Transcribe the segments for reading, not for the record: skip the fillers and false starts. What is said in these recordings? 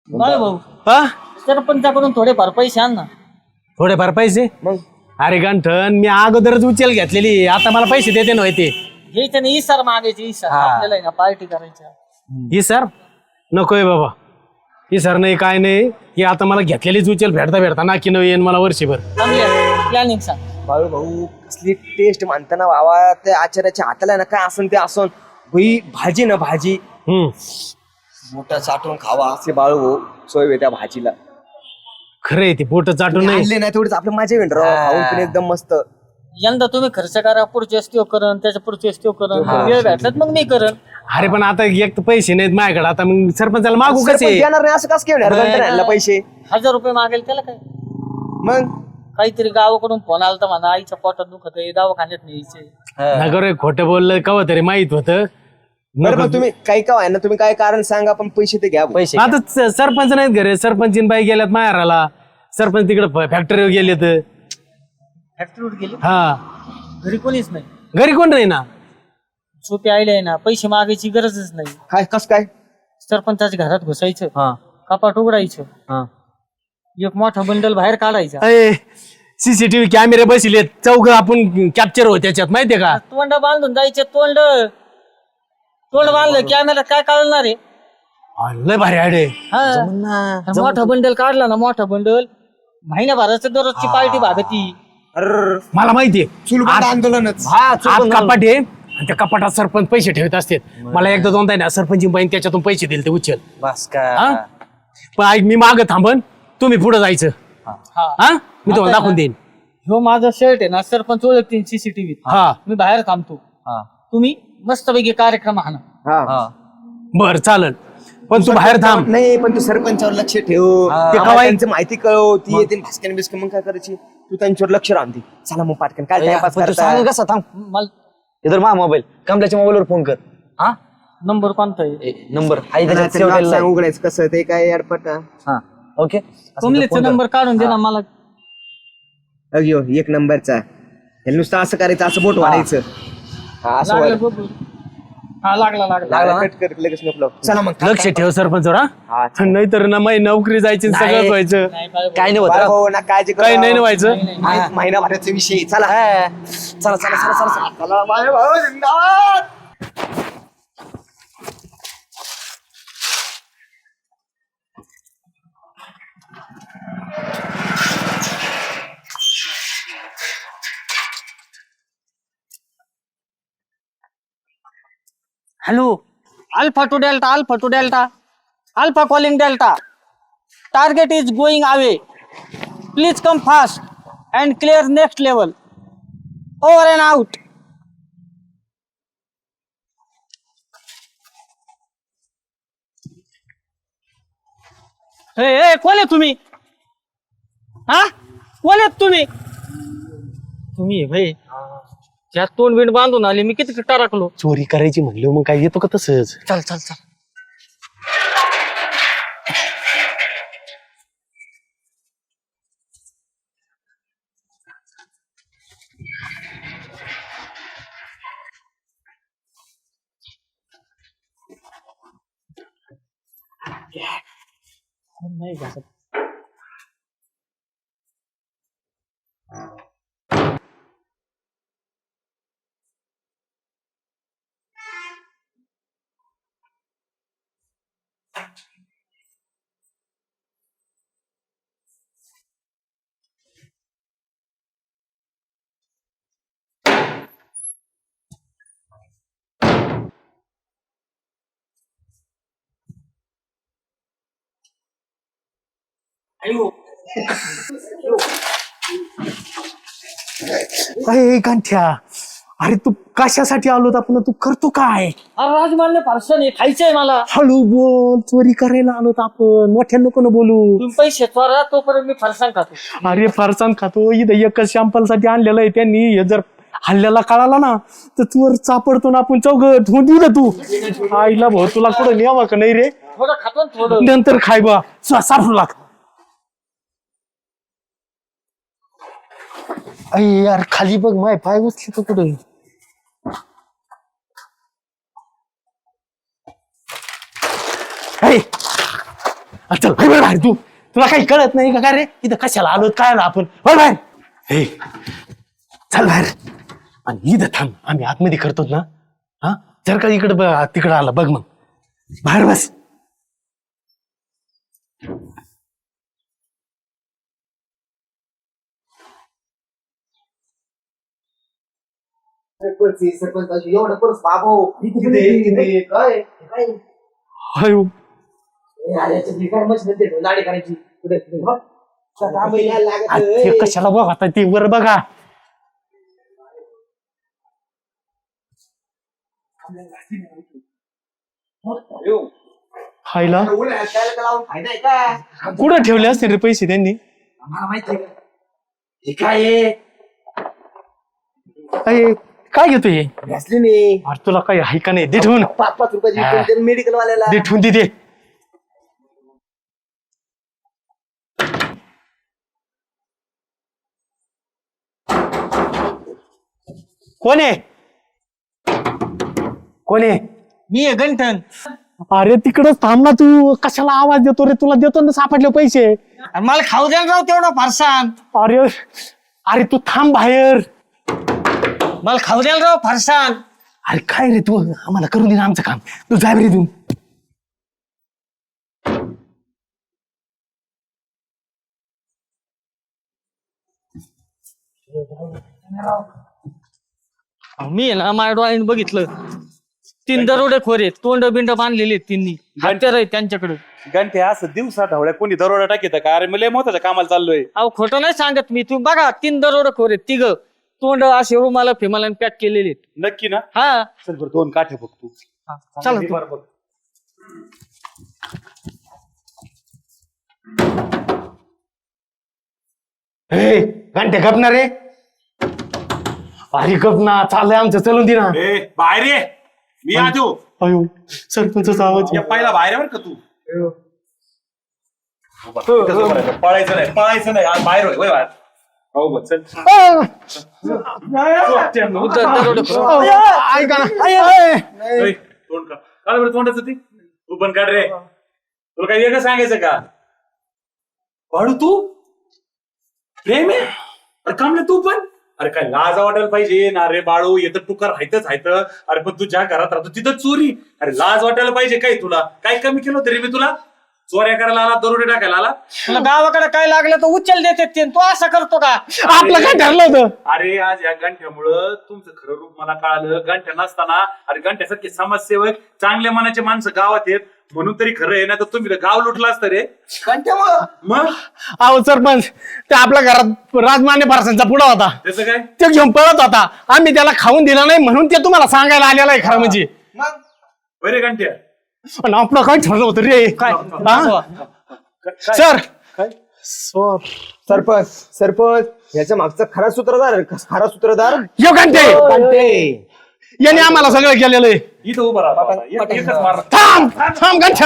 काय भाऊ हा सरपंचाकडून थोडेफार पैसे आण ना. थोडेफार पैसे मग अरे गंठन मी अगोदरच उचल घेतलेली आता मला पैसे देते ना ते घ्यायचं नाही इसार मागायचे इसार आपल्याला आहे ना पार्टी करायच्या. ही सर नकोय बाबा ही सर नाही काय नाही ही आता मला घेतलेलीच उचल भेटता भेटता ना की न येईन मला वर्षभर प्लॅनिंग सांग. बाळू भाऊ कसली टेस्ट मानताना बाबा त्या आचार्याच्या हाताला ना काय असन ते असन भाई भाजी ना भाजी मोठा चाटून खावा असे बाळू भाऊ सोय त्या भाजीला खरंय ते बोट चाटून नाही आणले नाही तेवढेच आपले माझे वेंडर खाऊन पण एकदम मस्त. यंदा तुम्ही खर्च करा पुढच्या स्टो करण त्याच्या पुढच्या स्टो करण वेळ भेटलात मग मी करण. अरे पण आता एक तर पैसे नाहीत माझ्याकडे आता मग सरपंचाला मागू सरपंच कसे देणार नाही असं कसं घेणार आणला पैसे 1000 रुपये मागेल त्याला काय. मग काहीतरी गावाकडून फोन आला तर म्हणा आईच्या पोटात दुखत आहे दवाखान्यात न्यायचे. नगर खोटं बोललं कवा तरी माहित होतं बरं मग तुम्ही काही का ना तुम्ही काय कारण सांगा पण पैसे ते घ्या पैसे आता सरपंच नाहीत घरे सरपंचीन बाई गेल्यात माहेराला सरपंच तिकडे फॅक्टरीवर गेलेत फॅक्टरीवर गेले हा घरी कोणीच नाही. घरी कोण नाही ना सोपे आले ना पैसे मागायची गरजच नाही. काय कस काय सरपंचाच्या घरात घुसायचं कपाट उघडायचं एक मोठा बंडल बाहेर काढायचा. सीसीटीव्ही कॅमेरे बसलेत चौघ आपण कॅप्चर हो त्याच्यात माहितीये का तोंड बांधून जायचे तोंड बांधलं कॅमेरा काय काढणार आहे. लय भारी आडे हा मोठा बंडल काढला ना मोठा बंडल महिन्याभराचं दररोजची पार्टी भागती. मला माहितीये चुलबंद आंदोलनच आत कपाट आहे आणि त्या कपाटात सरपंच पैसे ठेवत असतात मला एकदा दोनदा ना सरपंच बाईन त्याच्यातून पैसे दिले ते उचल बस हा? पण ऐक मी माग थांबन तुम्ही पुढे जायचं हा मी तुम्हाला दाखवून देईन ह्यो माझा शर्ट आहे ना सरपंच ओळखतील सीसीटीव्ही. हा मी बाहेर थांबतो तुम्ही मस्तपैकी कार्यक्रम हाना. बर चालन पण तू बाहेर थांब नाही पण तू सरपंचावर लक्ष ठेव ते आम्हाला कवाई- त्यांची माहिती कळव ती येते भास्कन बिस्कन मग काय करायची तू त्यांच्यावर लक्ष राहते चला मग पाटकन काय टाइमपास करता कसा थांब मला इधर मा मोबाईल कमलाच्या मोबाईलवर फोन कर हा नंबर कोणता आहे. नंबर आहे त्याच्यात save नाक केलेला सांग आहे. उघडायचं कसं ते काय अडपट हा ओके कमलेचा नंबर काढून दे ना मला. अगयो एक नंबरचा हे नुसतं असं करायचं असं बोट वाढायचं हा असं लागलं वाढ- बघू. हा लागला लागला ना? कट कर लगेच नको चला मग लक्ष ठेव सरपंचवर हा, हा नाहीतर ना माझी नोकरी जायची आणि सगळंच व्हायचं नाही बाय काय नाही होत बाळ राव. भाऊ ना काळजी करू. काही नाही ना व्हायचं महिनाभराचा विषय चला हा. चला चला चला चला चला. चला माझे भाऊ जिंदाबाद. Hello alpha two delta alpha two delta alpha calling delta target is going away please come fast and clear next level over and out. हे कोण आहे तुम्ही हा कोण आहेत तुम्ही तुम्ही भाई त्यात तोंड बिंड बांधून आले मी किती टाकलो. चोरी करायची म्हणली मग काय येतो का तसंच चल चल चल नाही घासत. अयो अरे गांठ्या अरे तू कशासाठी आलो आपण तू करतो काय अरे राजमान्य पार्सल आहे खायचंय मला. हळू बोल चोरी करायला आलो आपण मोठ्या नको न बोलू तुम्ही पैसे त्वरा तोपर्यंत मी फरसाण खातो. अरे फरसान खातो इथं एकच शॅम्पल साठी आणलेलं आहे त्यांनी हे जर हल्ल्याला कळाला ना तर चोर चापडतो ना आपण चौघ ठेवून देऊ ना तू आईला भाऊ तुला कुठं न्यावा का नाही रे थोडं खातो ना थोडं. नंतर खाय बा सापडू लाग अय यार खाली बघ माय पाय उचली तर कुठे चल बाहेर बाहेर तू, तुला काही कळत नाही का काय रे? इथं कशाला आलो काय आलो आपण? बाहेर बाहेर. हे चल बाहेर आणि इथं थांब, आम्ही आतमध्ये करतो ना. हा जर का इकडे तिकडं आला बघ, मग बाहेर बस. सरपंच एवढं परस बाबो काय अयो काय मशीन लाडी करायची कुठे ते कशाला बघ आता ते वर बघा. खायला फायदा आहे का कुठं ठेवले असते रे पैसे त्यांनी? आम्हाला माहिती आहे हे काय आहे अरे काय घेतो हे? व्हॅसलीन अरे तुला काही आहे का नाही? दे ठेवून, 5-5 रुपयाची मेडिकल वाल्याला दे ठेवून दे. कोण आहे? कोण आहे? मी आहे गंठन. अरे तिकडच थांब ना तू, कशाला आवाज देतो रे? तुला देतो ना सापडले पैसे. आणि मला खाऊ द्यायला राव तेवढं फरसान. अरे अरे तू थांब बाहेर. मला खाऊ द्यायला राव फरसान. अरे काय रे तू, आम्हाला करून दे ना आमचं काम. तू जाय रे तू. मी आहे ना माझ्या डोळ्याने बघितलं 3 दरोडेखोर आहेत, तोंड बिंड बांधलेले आहेत तिन्ही, हत्यार आहेत त्यांच्याकडे. गंठे असं दिवसा ढवळ्या कोणी दरोडा टाकीत का? अरे मला मोठ्याच्या कामाला चाललोय. अहो खोटं नाही सांगत मी. तुम्ही बघा 3 दरोडेखोर आहेत, 3 तोंड असे रुमाला फिमाला पॅक केलेले आहेत. नक्की ना? हा चल बरं 2 काठे बघ तू. चला हे तू. बरं बघ. हे घंटे गपणार रे? अरे गप ना, चाललंय आमचं, चलून दे ना. ए बाहेर ये, मी आजो. अयो सरपंचाचा आवाज. या पहिला बाहेर आहे बरं का तू. कसं बोलायचं? पळायचं नाही, पळायचं नाही. आज बाहेर होय बाहेर. हो बघ चल. दरोडेखोर. ऐका ना. ए, तोंड काढ. काढ बरं तोंडाचं ते. तू पण काढ रे. तुला काही वेगळं सांगायचं का? वाढू तू प्रेम आहे? अरे कामले तू पण. अरे काय लाज वाटायला पाहिजे ना रे बाळू. येतं टुकार हायतच हायत. अरे पण तू ज्या घरात राहतो तिथं चोरी. अरे लाज वाटायला पाहिजे काय तुला? काय कमी केलं तरी मी तुला? चोऱ्या करायला आला, दरोडे टाकायला आला. तुला गावाकडे काय लागलं तर उचल देते ते. तू असं करतो का? आपलं काय ठरलं होतं? अरे आज या गंठ्यामुळं तुमचं खरं रूप मला कळालं. गंठ्या नसताना अरे गंठ्यासारखे समाजसेवक चांगल्या मनाचे माणसं गावात आहेत म्हणून तरी खरं आहे ना, तर तुम्ही गाव लुटला असतं रे. मग अहो सरपंच, ते आपल्या घरात राजमान्य पारसांचा पुडा होता, त्याचं काय? ते घेऊन पळत होता. आम्ही त्याला खाऊन दिला नाही म्हणून ते तुम्हाला सांगायला आलेला आहे खरं म्हणजे. बरे गंठ्या पण आपलं काय ठरलं होतं रे? काय सर सरपंच सरपंच याच्या मागचा खरा सूत्रधार यो घंटे याने आम्हाला सगळं केलेलं आहे. इथं उभं राहा. एकच मार. थांब थांब घंटा.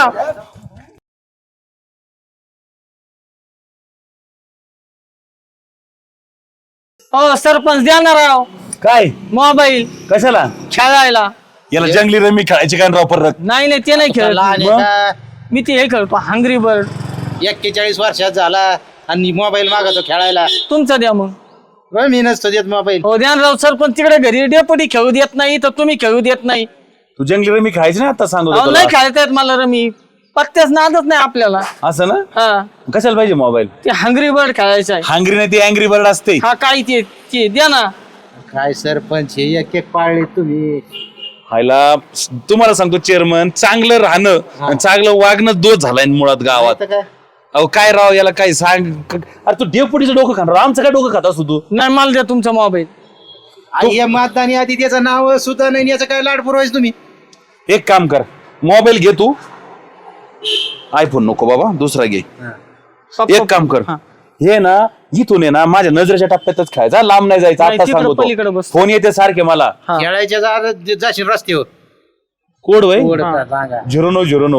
हो सरपंच द्या ना राव काय मोबाईल कशाला? खेळायला. याला जंगली रमी खेळायची काय राव परत? नाही नाही ते नाही खेळत. मी ते हे खेळतो हंग्री बर्ड. 41 वर्षात झाला आणि मोबाईल मागतो खेळायला. तुमचा द्या मग. मी नसतो देत मोबाईल. हो द्या ना राव. सरपंच तिकडे घरी डेपुटी खेळू देत नाही तर तुम्ही खेळू देत नाही. तू जंगली रमी खेळायची ना आता सांगू अहो नाही खेळता येत मला रमी. पत्त्याच नादच नाही आपल्याला. असं ना? हा कशाला पाहिजे मोबाईल? ते हंग्री बर्ड खेळायचं आहे. हांगरी नाही ती अँग्री बर्ड असते. हा काय ते द्या ना. काय सरपंच हे एक एक पाळले तुम्ही. हायला तुम्हाला सांगतो चेअरमन, चांगलं राहणं आणि चांगलं वागणं दोष झालाय मुळात गावात. आता काय अहो काय राव याला काय सांग. अरे तू डेपुटीचं डोकं खाणार, आमचं काय डोकं खात असतो तू? नाही मला द्या तुमचा मोबाईल. आई या मतदानी आधी त्याचं नाव सुद्धा नाही याचं काय लाड पुरवायचं तुम्ही. एक काम कर, मोबाईल घे तू. आयफोन नको बाबा, दुसरा घे. एक काम कर, हे ना इथून आहे ना माझ्या नजरेच्या टप्प्यातच खेळायचा, लांब नाही जायचं. नाही, आता तिकडं पलीकडे सांगतो बस. फोन येते सारखे मला. खेळायच्या जाशील रस्त्यावर. कोड वय ओढ सांगा. 0909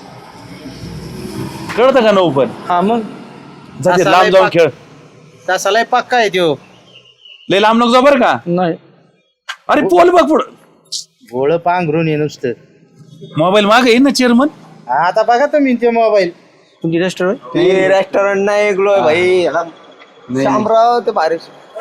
कळतं का? 9 पण हा मग जाते असा लांब लय जाऊन पाक- खेळ. तसा लय पक्का आहे त्यो. लय लांब नको जा बरं का. नाही. अरे पोल बघ पुढं. भोळ पांघरून ये नुसतं. मोबाईल मागे येईन ना चेअरमन. आता बघा तुम्ही ते मोबाईल. तुमची रेस्टॉरंट ते रेस्टॉरंट नाही ऐकलोय भाई याला शामराव ते भारी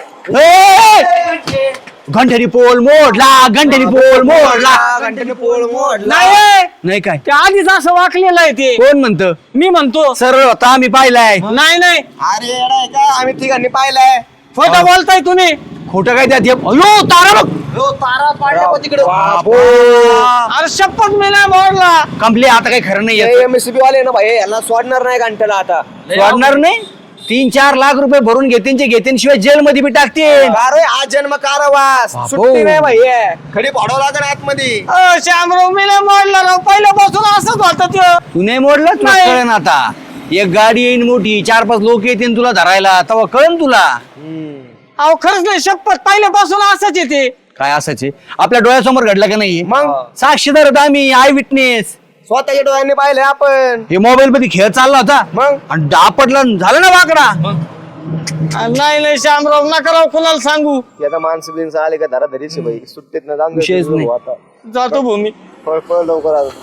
घंटेरी पोल मोडला, घंटेरी पोल मोडला. घंटेने पोळ मोडला. नाही नाही काय ते आधीच असं वाकलेलं आहे ते. कोण म्हणतं? मी म्हणतो सरळ होता, आम्ही पाहिलाय. नाही नाही अरे येडा आहे का आम्ही तिघांनी पाहिलंय खोटं बोलताय तुम्ही. खोटं काय त्यात? अयो तारा बघ. तारा पाडल्या पण तिकडे अरे शपथ मी नाही मोडला. कंपली आता काही खरं नाही येत. एमएससीबी वाले ना भाई याला सोडणार नाही घंट्याला आता वाढणार नाही. 3-4 लाख रुपये भरून घेतीन शिवाय जेल मध्ये बी टाकतील. अरे आज जन्म कारावास सुट्टी नाही भाई खडी पाडावं लागेल आतमध्ये श्यामराव मी नाही मोडला राव. पहिल्यापासून असंच होतं ते. तू नाही मोडलं तुला नाही. कळण आता. एक गाडी येईन मोठी, 4-5 लोक येतील तुला धरायला, तेव्हा कळन तुला अहो खरंच नाही शपथ पहिल्यापासून असंच येते. काय असायचे. आपल्या डोळ्यासमोर घडलं का नाही? मग साक्षीदार होता आम्ही, आय विटनेस. स्वतःच्या डोळ्यांनी पाहिलंय आपण हे मोबाईल मध्ये खेळ चालला होता मग आणि डापटला झालं ना वाकडा. नाही नाही श्यामराव नका राव कुणाला सांगू. आता माणसं बिनसं आले का धरा धरीच भाई सुट्टीत ना जाऊन विषयच नाही. आता जातो भूमी. पळ पळ लवकर आलो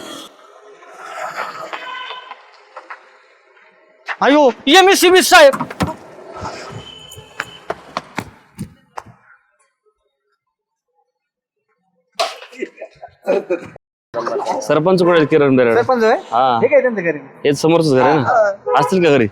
अयो एमएससीबी साहेब. सरपंच कुठे किरण बेरड? हा हे काय त्यांचं घरी हेच समोरच घर आहे ना. असतील का घरी?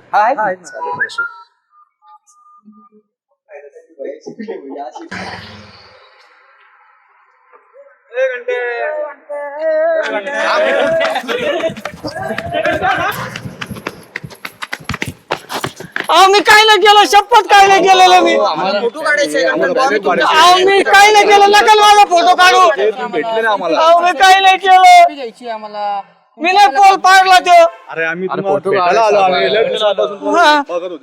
अहो मी काय नाही केलं शपथ काय नाही केलेलं मी. फोटो काढायचे अहो मी काय नाही केलं नका माझा फोटो काढू. अहो मी काय नाही केलं. मी नाही पोल पाडला तो. अरे आम्ही फोटो काढायला आलो आम्ही. हा.